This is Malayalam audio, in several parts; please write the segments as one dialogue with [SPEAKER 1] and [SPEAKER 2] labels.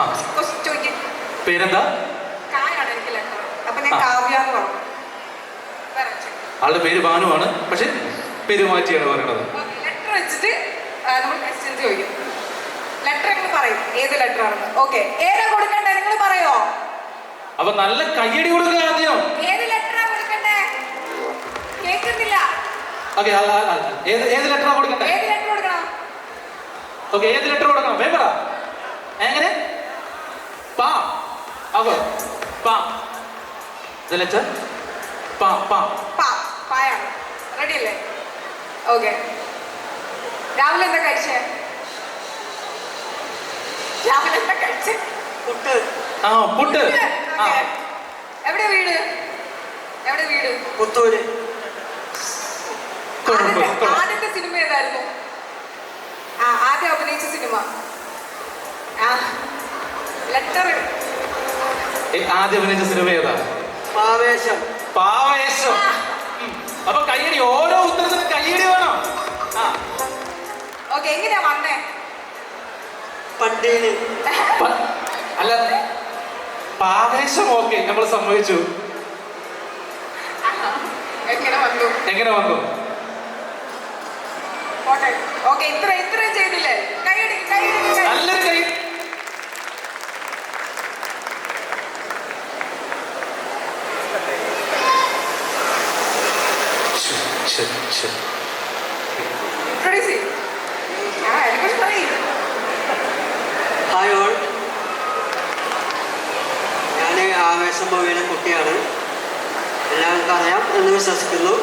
[SPEAKER 1] പേരെന്താ? ആളുടെ പേര് ഭാനുവാണ്, പക്ഷെ പേര് മാറ്റിയാണ് പറയണത്.
[SPEAKER 2] ലെറ്റർ വെച്ചിട്ട് നമ്മൾ ക്വസ്റ്റ്യൻസ് ചോദിക്കും. ലെറ്റർ നിങ്ങൾ പറയും ഏത് ലെറ്റർ ആണെന്ന്. ഓക്കെ, ഏതാ കൊടുക്കണ്ടേ നിങ്ങൾ പറയോ?
[SPEAKER 1] അപ്പൊ നല്ല കയ്യടി കൊടുക്കുക ആദ്യം.
[SPEAKER 2] ഏത് ലെറ്ററാ കൊടുക്കണ്ടേ? കേൾക്കുന്നില്ല.
[SPEAKER 1] ഓക്കെ, ഏത് ലെറ്ററാ കൊടുക്കണ്ടേ?
[SPEAKER 2] ഏത് ലെറ്റർ കൊടുക്കണം?
[SPEAKER 1] ഓക്കെ, ഏത് ലെറ്റർ കൊടുക്കണം? വേഗം പറ. എങ്ങനെ? പാ. അപ്പൊ പാ. ദ ലെറ്റർ പാ. പാ.
[SPEAKER 2] പാ. പായാണ്. റെഡി അല്ലേ? ഓക്കെ. രാവിലെ എന്താ കഴിച്ചേ? രാവിലെ എന്താ കഴിച്ചേ?
[SPEAKER 1] പുട്ട്. ആ, പുട്ട്.
[SPEAKER 2] എവിടെ വീട്? എവിടെ വീട്?
[SPEAKER 1] പുത്തൂര്.
[SPEAKER 2] ആദ്യത്തെ സിനിമ ഏതായിരുന്നു? ആദ്യം അഭിനയിച്ച സിനിമ. ലെറ്റർ.
[SPEAKER 1] ആദ്യം അഭിനയിച്ച സിനിമ ഏതാ?
[SPEAKER 3] പാവേശം.
[SPEAKER 1] പാവേശം. അപ്പൊ കയ്യടി, ഓരോ ഉത്തരത്തിനും കയ്യടി വേണം.
[SPEAKER 2] ഓക്കെ, എങ്ങനെയാ വന്നേ?
[SPEAKER 3] പണ്ടേന്.
[SPEAKER 1] അല്ല, പാവേശം ഓക്കെ, നമ്മൾ സമ്മതിച്ചു. എങ്ങനെ വന്നു?
[SPEAKER 2] ഓക്കെ, ഇത്രയും ചെയ്തില്ലേ?
[SPEAKER 1] നല്ലൊരു കൈ.
[SPEAKER 3] ഹായ് ഓൾ, ഞാൻ ആവേശം മൂവിയിലെ കുട്ടിയാണ്. എല്ലാവർക്കും അറിയാം എന്ന് വിശ്വസിക്കുന്നു.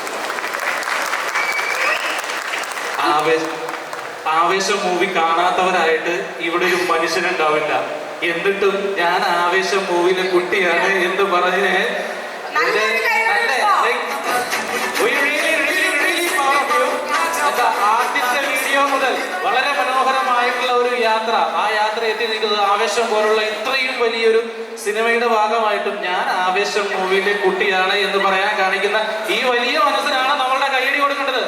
[SPEAKER 1] ആവേശം മൂവി കാണാത്തവരായിട്ട് ഇവിടെ ഒരു മനുഷ്യനുണ്ടാവില്ല. എന്നിട്ടും ഞാൻ ആവേശം മൂവിയിലെ കുട്ടിയാണ് എന്ന് പറഞ്ഞ് ആദ്യത്തെ വീഡിയോ മുതൽ വളരെ മനോഹരമായിട്ടുള്ള ഒരു യാത്ര, ആ യാത്ര എത്തി നിൽക്കുന്നത് ആവേശം പോലുള്ള ഇത്രയും വലിയൊരു സിനിമയുടെ ഭാഗമായിട്ടും ഞാൻ ആവേശം മൂവിയിലെ കുട്ടിയാണ് എന്ന് പറയാൻ കാണിക്കുന്ന ഈ വലിയ മനസ്സിനാണ് നമ്മളുടെ കയ്യടി കൊടുക്കേണ്ടത്.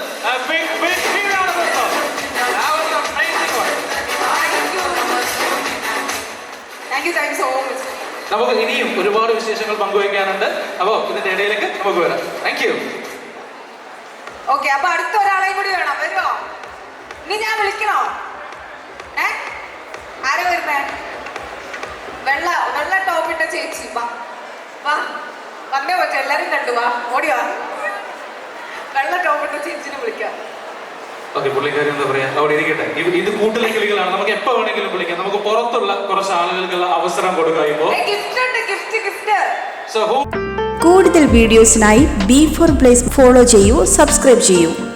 [SPEAKER 1] നമുക്ക് ഇനിയും ഒരുപാട് വിശേഷങ്ങൾ പങ്കുവയ്ക്കാനുണ്ട്. അപ്പോ ഇതിന്റെ ഇടയിലേക്ക് നമുക്ക് വരാം. Thank you.
[SPEAKER 2] ഓക്കെ, അപ്പൊ അടുത്ത ഒരാളെയും കൂടി വേണം. വരുമോ? ഇനി ഞാൻ വിളിക്കണോ? ആരാ വരുന്നേ? വെള്ള ടോപ്പിട്ട ചേച്ചി. വന്നേ പറ്റും, എല്ലാരും കണ്ടു. ഓടിയോ? വെള്ള ടോപ്പിട്ട ചേച്ചിനെ വിളിക്കാം.
[SPEAKER 1] ഓക്കെ, പുള്ളിക്കാരി എന്താ പറയാ, അവിടെ ഇരിക്കട്ടെ. ഇത് കൂട്ടിലെ കിളികളാണ്, നമുക്ക് എപ്പോ വേണമെങ്കിലും വിളിക്കാം. നമുക്ക് പുറത്തുള്ള കുറച്ച് ആളുകൾക്കുള്ള അവസരം കൊടുക്കുക.
[SPEAKER 4] കൂടുതൽ വീഡിയോസിനായി B4 Place ഫോളോ ചെയ്യൂ, സബ്സ്ക്രൈബ് ചെയ്യൂ.